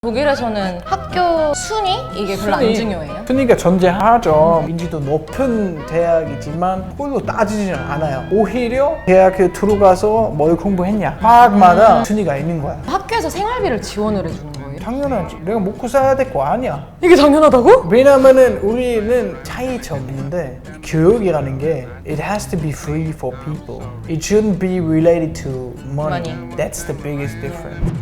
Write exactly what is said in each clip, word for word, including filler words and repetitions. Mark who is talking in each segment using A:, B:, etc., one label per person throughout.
A: 독일에서는 학교 순위? 이게 별로 안 중요해요?
B: 순위가 존재하죠. 인지도 높은 대학이지만 그걸로 따지지는 않아요. 오히려 대학에 들어가서 뭘 공부했냐 과학마다
A: 음.
B: 순위가 있는 거야.
A: 학교에서 생활비를 지원을 해주는 거예요?
B: 당연하지. 내가 먹고 살아야 될 거 아니야.
A: 이게 당연하다고?
B: 왜냐면은 우리는 차이점이 있는데 교육이라는 게 it has to be free for people. It shouldn't be related to money.
A: Money.
B: That's the biggest difference.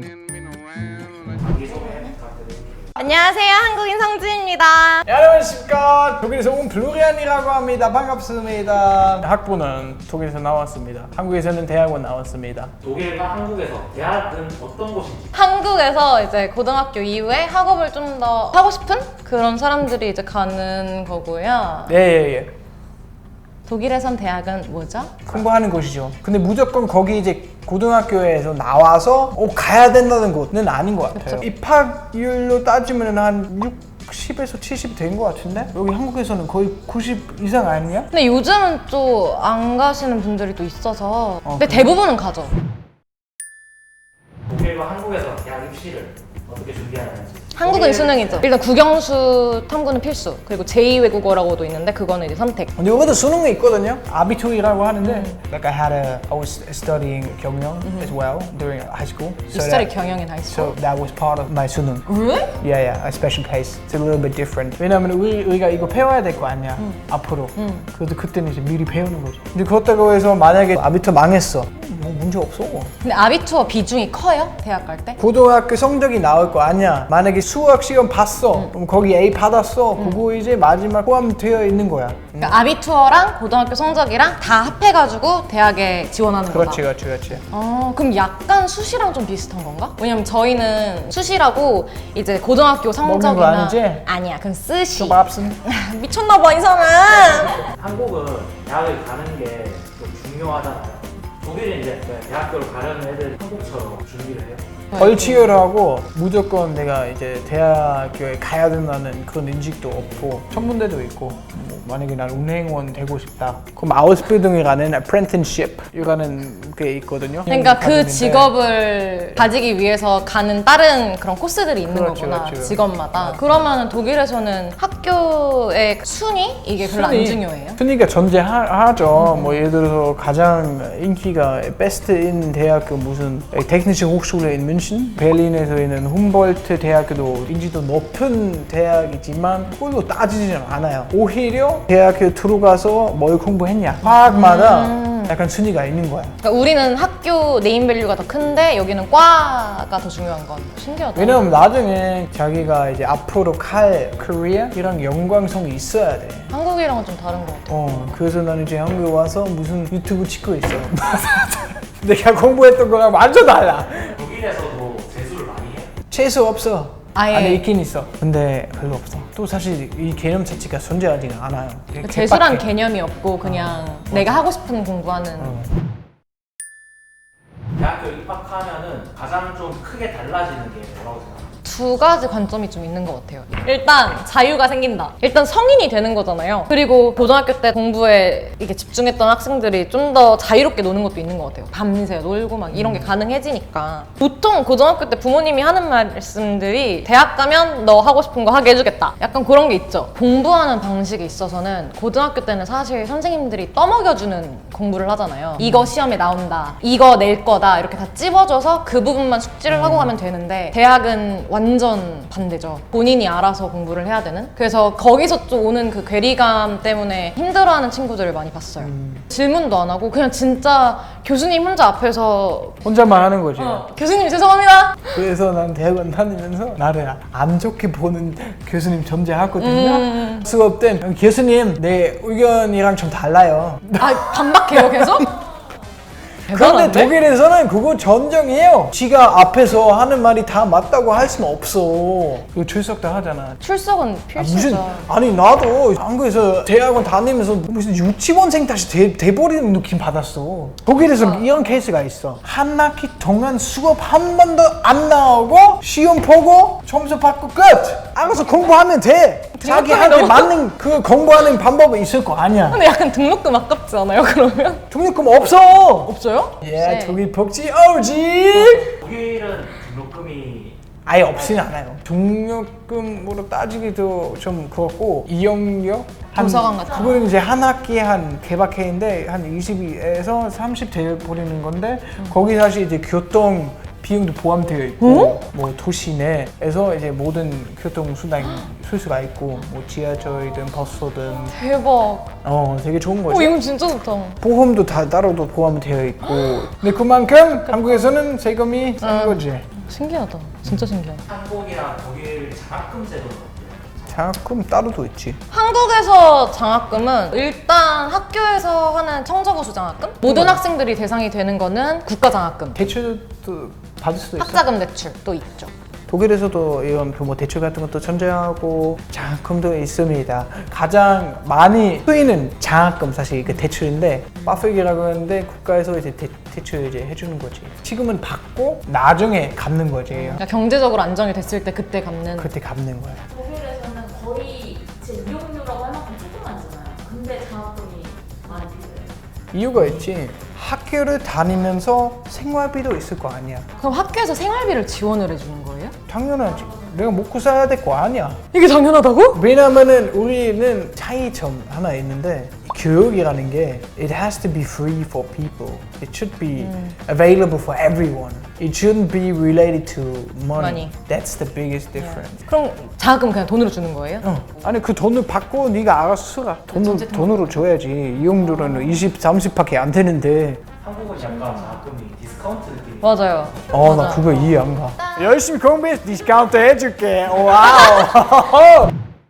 A: 안녕하세요, 한국인 성지입니다.
B: 네, 안녕하십니까. 독일에서 온 블루리안이라고 합니다. 반갑습니다. 학부는 독일에서 나왔습니다. 한국에서는 대학원 나왔습니다.
C: 독일과 한국에서 대학은 어떤 곳인지?
A: 한국에서 이제 고등학교 이후에 학업을 좀 더 하고 싶은 그런 사람들이 이제 가는 거고요.
B: 네, 예, 예.
A: 독일에선 대학은 뭐죠?
B: 공부하는 곳이죠. 근데 무조건 거기 이제 고등학교에서 나와서 어, 가야 된다는 곳은 아닌 것 같아요.
A: 그쵸.
B: 입학률로 따지면 한 육십에서 칠십 된 것 같은데? 여기 한국에서는 거의 구십 이상 아니냐?
A: 근데 요즘은 또 안 가시는 분들이 또 있어서
B: 어,
A: 근데
B: 그래?
A: 대부분은 가죠.
C: 독일과 한국에서 대학 입시를 어떻게 준비하는지.
A: 한국은
C: 독일-
A: 수능이죠. 일단 국영수 탐구는 필수. 그리고 제이 외국어라고도 있는데 그거는 이제 선택.
B: 근데 여기도 수능이 있거든요. 아비투이라고 하는데 like I had a I was studying 경영 as well during high school.
A: You study 경영인 하이스쿨?
B: So that was part of my 수능.
A: Really?
B: Yeah, yeah, a special case. It's a little bit different. 왜냐면 우리, 우리가 이거 배워야 될 거 아니야, 앞으로. 그래도 그때는 이제 미리 배우는 거죠. 근데 그렇다고 해서 만약에 아비투 망했어, 뭐 문제 없어.
A: 근데 아비투어 비중이 커요? 대학 갈 때?
B: 고등학교 성적이 나올 거 아니야. 만약에 수학 시험 봤어, 그럼 거기 A 받았어. 그거 이제 마지막 포함되어 있는 거야.
A: 그러니까 아비투어랑 고등학교 성적이랑 다 합해가지고 대학에 지원하는 거다.
B: 그렇지, 그렇지, 그렇지.
A: 어, 그럼 약간 수시랑 좀 비슷한 건가? 왜냐면 저희는 수시라고 이제 고등학교 성적이나
B: 먹는 거 아니지?
A: 아니야, 그건 쓰시.
B: 좀 밥슨.
A: 미쳤나봐 이 사람.
C: 한국은 대학을 가는 게 좀 중요하잖아요. 독일은 이제 대학교를 가려는 애들 한국처럼 준비를 해요.
B: 덜 치열하고 무조건 내가 이제 대학교에 가야 된다는 그런 인식도 없고 천문대도 있고 뭐 만약에 난 운행원 되고 싶다 그럼 아우스빌딩이라는 apprenticeship이라는 게 있거든요.
A: 그러니까 그
B: 과정인데
A: 직업을 가지기 위해서 가는 다른 그런 코스들이 있는
B: 그렇죠,
A: 거구나.
B: 그렇죠.
A: 직업마다. 그러면 독일에서는 학교의 순위? 이게 별로 안
B: 순위.
A: 중요해요?
B: 순위가 존재하죠. 뭐 예를 들어서 가장 인기가 베스트인 대학교 무슨 테크니시 호chschule in München, 베를린에서 있는 훔볼트 대학교도 인지도 높은 대학이지만 그걸로 따지지는 않아요. 오히려 대학교 들어가서 뭘 공부했냐 과학마다
A: 음.
B: 약간 순위가 있는 거야.
A: 그러니까 우리는 학교 네임밸류가 더 큰데 여기는 과가 더 중요한 건 신기하다.
B: 왜냐면 나중에 자기가 이제 앞으로 갈 커리어이랑 연관성이 있어야 돼.
A: 한국이랑은 좀 다른 것 같아요.
B: 어, 그래서 나는 이제 한국에 와서 무슨 유튜브 찍고 있어. 내가 공부했던 거랑 완전 달라.
C: 독일에서도 재수를 많이 해요.
B: 재수 없어.
A: 아예.
B: 안에 있긴 있어. 근데 별로 없어. 또 사실 이 개념 자체가 존재하지가 않아요. 되게
A: 재수란
B: 개빡해.
A: 개념이 없고 그냥 내가 하고 싶은 공부하는.
B: 어.
C: 대학교 입학하면은 가장 좀 크게 달라지는 게 뭐라고 생각해요?
A: 두 가지 관점이 좀 있는 것 같아요. 일단 자유가 생긴다. 일단 성인이 되는 거잖아요. 그리고 고등학교 때 공부에 이게 집중했던 학생들이 좀 더 자유롭게 노는 것도 있는 것 같아요. 밤새 놀고 막 이런 게 가능해지니까. 보통 고등학교 때 부모님이 하는 말씀들이 대학 가면 너 하고 싶은 거 하게 해주겠다. 약간 그런 게 있죠. 공부하는 방식에 있어서는 고등학교 때는 사실 선생님들이 떠먹여주는 공부를 하잖아요. 이거 시험에 나온다. 이거 낼 거다. 이렇게 다 찝어줘서 그 부분만 숙지를 하고 가면 되는데 대학은 완전 반대죠. 본인이 알아서 공부를 해야 되는. 그래서 거기서 좀 오는 그 괴리감 때문에 힘들어하는 친구들을 많이 봤어요. 질문도 안 하고 그냥 진짜 교수님 혼자 앞에서
B: 혼자만 하는 거지.
A: 어, 교수님 죄송합니다.
B: 그래서 난 대학원 다니면서 나를 안 좋게 보는 교수님 존재하거든요.
A: 음.
B: 수업 때 교수님 내 의견이랑 좀 달라요.
A: 아 반박해요 계속?
B: 그런데
A: 대단한데?
B: 독일에서는 그거 전정해요. 지가 앞에서 하는 말이 다 맞다고 할 수는 없어. 그리고 출석도 하잖아.
A: 출석은
B: 아,
A: 필수죠.
B: 무슨 아니 나도 한국에서 대학원 다니면서 무슨 유치원생 다시 돼, 돼버리는 느낌 받았어. 독일에서 이런 케이스가 있어. 한 학기 동안 수업 한 번도 안 나오고 시험 보고 점수 받고 끝. 알아서 공부하면 돼. 자기한테
A: 너무-
B: 맞는 그 공부하는 방법이 있을 거 아니야.
A: 근데 약간 등록금 아깝지 않아요 그러면?
B: 등록금 없어.
A: 없어요?
B: 예,
A: 네.
B: 독일 복지 오지.
C: 독일은 등록금이
B: 아예 없지는 않아요. 등록금으로 따지기도 좀 그렇고 이용료 한-
A: 도서관 같은 거.
B: 그거는 이제 한 학기에 한 개박해인데 한 이십에서 삼십 대 버리는 건데 거기 사실 이제 교통 비용도 포함되어 있고 뭐 도시 내에서 이제 모든 교통 수단 쓸 수가 있고 뭐 지하철이든 버스든
A: 대박.
B: 어 되게 좋은 거죠.
A: 어, 이건 진짜 좋다.
B: 보험도 다 따로도 포함되어 있고 근데 그만큼 한국에서는 세금이 싼 거지.
A: 신기하다. 진짜 신기하다.
C: 한국이랑 독일 장학금 제도는 어때요?
B: 장학금 따로도 있지.
A: 한국에서 장학금은 일단 학교에서 하는 청저고수 장학금? 모든 학생들이 대상이 되는 거는 국가 장학금.
B: 대출도 받을 수도 있어.
A: 학자금 대출도 있죠.
B: 독일에서도 이런 뭐 대출 같은 것도 전제하고 장학금도 있습니다. 가장 많이 쓰이는 장학금 사실 그 대출인데 바프익이라고 하는데 국가에서 이제 대, 대출 이제 해주는 거지. 지금은 받고 나중에 갚는 거지.
A: 그러니까 경제적으로 안정이 됐을 때 그때 갚는.
B: 그때 갚는 거야.
D: 독일에서는 거의 제 이용료라고 할 만큼 조금 안 주나요? 근데 장학금이 많이 필요해요.
B: 이유가 있지. 학교를 다니면서 생활비도 있을 거 아니야.
A: 그럼 학교에서 생활비를 지원을 해주는 거예요?
B: 당연하지. 내가 먹고 살아야 될 거 아니야.
A: 이게 당연하다고?
B: 왜냐면은 우리는 차이점 하나 있는데 교육이라는 게 it has to be free for people. It should be available for everyone. It shouldn't be related to money.
A: Money.
B: That's the biggest difference.
A: 그럼 장학금 그냥 돈으로 주는 거예요?
B: 어. 아니 그 돈을 받고 네가 알아서 쓰라. 돈을, 돈으로 줘야지. 이용료는 이십, 삼십밖에 안 되는데
C: 한국은 약간 장학금이 디스카운트 느낌이
A: 맞아요.
B: 어 나
A: 맞아.
B: 그거 이해 안 가. 열심히 공부해서 디스카운트 해줄게. 와우.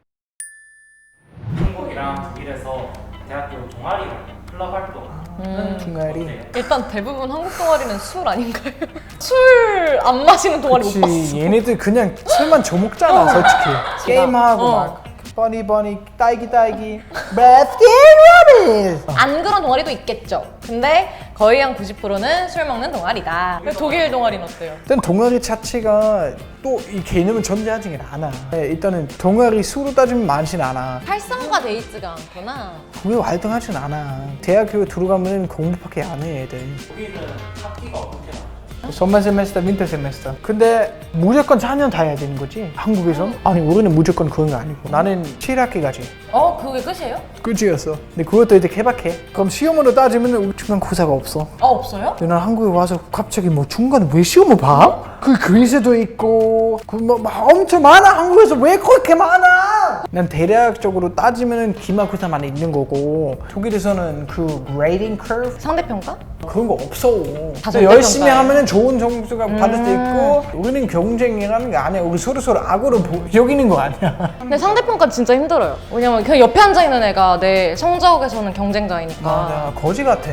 C: 한국이랑 독일에서 대학교 동아리 클럽 활동은
B: 동아리.
C: 어때요?
A: 일단 대부분 한국 동아리는 술 아닌가요? 술 안 마시는 동아리 못 봤어.
B: 그치 얘네들 그냥 술만 저먹잖아 솔직히. 게임하고
A: 어.
B: 막 버니 버니 딸기 딸기 baskin robbins.
A: 안 그런 동아리도 있겠죠. 근데 거의 한 구십 퍼센트는 술 먹는 동아리다. 독일 동아리는 어때요?
B: 일단 동아리 자체가 또 이 개념은 존재하지 않아. 네, 일단은 동아리 수로 따지면 많진 않아.
A: 활성화 돼 있지가 않구나.
B: 그게 활동하진 않아. 대학교 들어가면 공부밖에 안 해 애들.
C: 독일은 학기가 어떻게 나와요?
B: 선반 세메스터, 윈터 세메스터. 근데 무조건 사 년 다 해야 되는 거지. 한국에선? 아니 우리는 무조건 그런 거 아니고. 나는 칠 학기까지.
A: 어, 그게 끝이에요?
B: 끝이었어. 근데 그것도 이제 개박해. 그럼 시험으로 따지면 중간고사가 없어.
A: 아, 없어요?
B: 근데 난 한국에 와서 갑자기 뭐 중간에 왜 시험을 봐? 그 그리스도 있고 그뭐 엄청 많아. 한국에서 왜 그렇게 많아? 난 대략적으로 따지면 기말고사만 있는 거고 독일에서는 그 grading curve
A: 상대평가?
B: 그런 거 없어.
A: 다
B: 근데 열심히
A: 절대평가예요?
B: 하면은 좋은 점수가 받을 수 있고 우리는 경쟁이라는 게 아니야. 우리 서로 서로 악으로 보- 여기는 거 아니야.
A: 근데 상대평가 진짜 힘들어요. 왜냐면 그냥 옆에 앉아 있는 애가 내 성적에서는 경쟁자이니까.
B: 맞아. 거지 같아.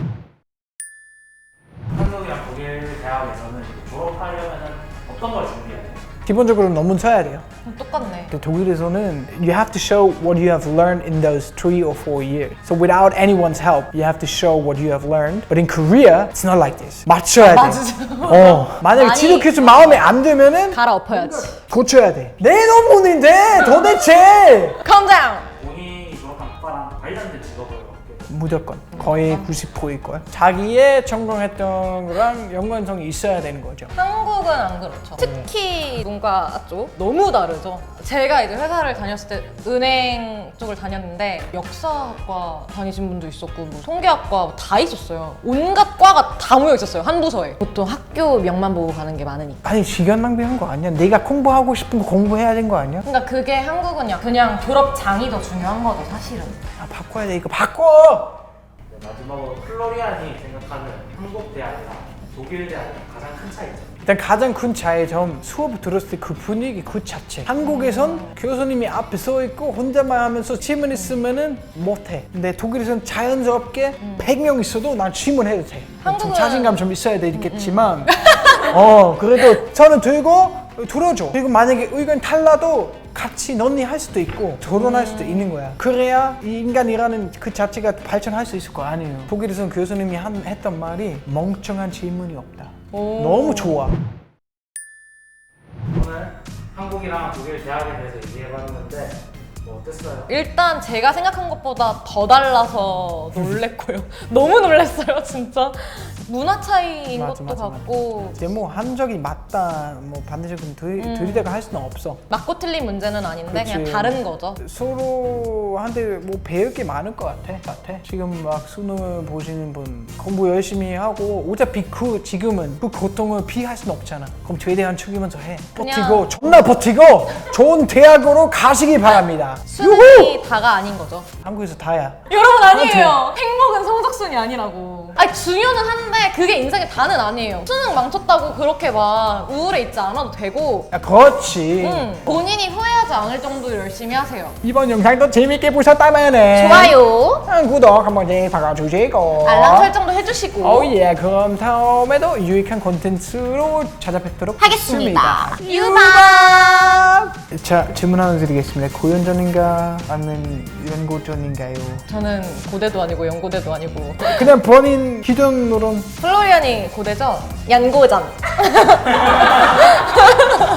C: 한국이랑 독일 대학에서는 졸업하려면 어떤 걸 준비해야 돼요?
B: 기본적으로 논문 써야 돼요.
A: 똑같네.
B: 근데 독일에서는 you have to show what you have learned in those three or four years. So without anyone's help, you have to show what you have learned. But in Korea, it's not like this. 맞춰야 돼.
A: 맞아.
B: 어, 만약에
A: 많이-
B: 지도교수 마음에 안 들면은
A: 갈아엎어야지.
B: 고쳐야 돼. 내 논문인데 도대체.
A: Calm down.
C: 본인이 졸업한 학과랑 관련된 직업을 얻게 돼요.
B: 무조건 거의 구십 퍼센트일걸. 자기의 전공했던 거랑 연관성이 있어야 되는 거죠.
A: 한국은 안 그렇죠. 특히 문과 쪽 너무 다르죠. 제가 이제 회사를 다녔을 때 은행 쪽을 다녔는데 역사학과 다니신 분도 있었고 뭐 통계학과 다 있었어요. 온갖 과가 다 모여 있었어요. 한 부서에. 보통 학교 명만 보고 가는 게 많으니까.
B: 아니 시간 낭비한 거 아니야? 내가 공부하고 싶은 거 공부해야 되는 거 아니야?
A: 그러니까 그게 한국은요. 그냥 졸업장이 더 중요한 거죠, 사실은.
B: 아 바꿔야 돼 이거 바꿔!
C: 네, 마지막으로 플로리안이 생각하는 한국 대학이랑 독일 대학의 가장 큰 차이점.
B: 일단 가장 큰 차이점 수업 들었을 때 그 분위기 그 자체. 한국에선 교수님이 앞에 서 있고 혼자만 하면서 질문 있으면은 못해. 근데 독일에선 자연스럽게 백 명 있어도 난 질문해도 돼. 좀
A: 한국은-
B: 자신감 좀 있어야 되겠지만 어 그래도 저는 들고 들어줘. 그리고 만약에 의견 달라도 같이 논의할 수도 있고 토론할 수도 있는 거야. 그래야 이 인간이라는 그 자체가 발전할 수 있을 거 아니에요. 독일에서는 교수님이 한, 했던 말이 멍청한 질문이 없다. 너무 좋아.
C: 오늘 한국이랑 독일 대학에 대해서 얘기해봤는데 뭐 어땠어요?
A: 일단 제가 생각한 것보다 더 달라서 놀랬고요. 너무 놀랬어요, 진짜. 문화 차이인
B: 맞아,
A: 것도
B: 맞아,
A: 같고
B: 이제 뭐 한적이 맞다 뭐 반드시 그럼 들,
A: 음.
B: 들이대가 할 수는 없어.
A: 맞고 틀린 문제는 아닌데 그냥
B: 그치.
A: 다른 거죠.
B: 서로한테 뭐 배울 게 많을 것 같아. 같아. 지금 막 수능 보시는 분 공부 열심히 하고 어차피 그 지금은 그 고통을 피할 수는 없잖아. 그럼 최대한 죽이면서 해.
A: 그냥-
B: 버티고 존나 버티고 좋은 대학으로 가시기 바랍니다.
A: 수능이 다가 아닌 거죠.
B: 한국에서 다야.
A: 여러분 아니에요. 행복은 성적순이 아니라고. 아니 중요는 한데 그게 인생의 다는 아니에요. 수능 망쳤다고 그렇게 막 우울해 있지 않아도 되고
B: 야, 그렇지.
A: 음, 본인이 후회하지 않을 정도로 열심히 하세요.
B: 이번 영상도 재밌게 보셨다면
A: 좋아요.
B: 구독 한 번씩 박아주시고
A: 알람 설정도 해주시고
B: 오예 그럼 다음에도 유익한 콘텐츠로 찾아뵙도록
A: 하겠습니다.
B: 유박! 자 질문 하나 드리겠습니다. 고연전인가 아니면 연고전인가요?
A: 저는 고대도 아니고 연고대도 아니고
B: 그냥 본인 기준으로는
A: 플로리안이 고대죠? 연고전.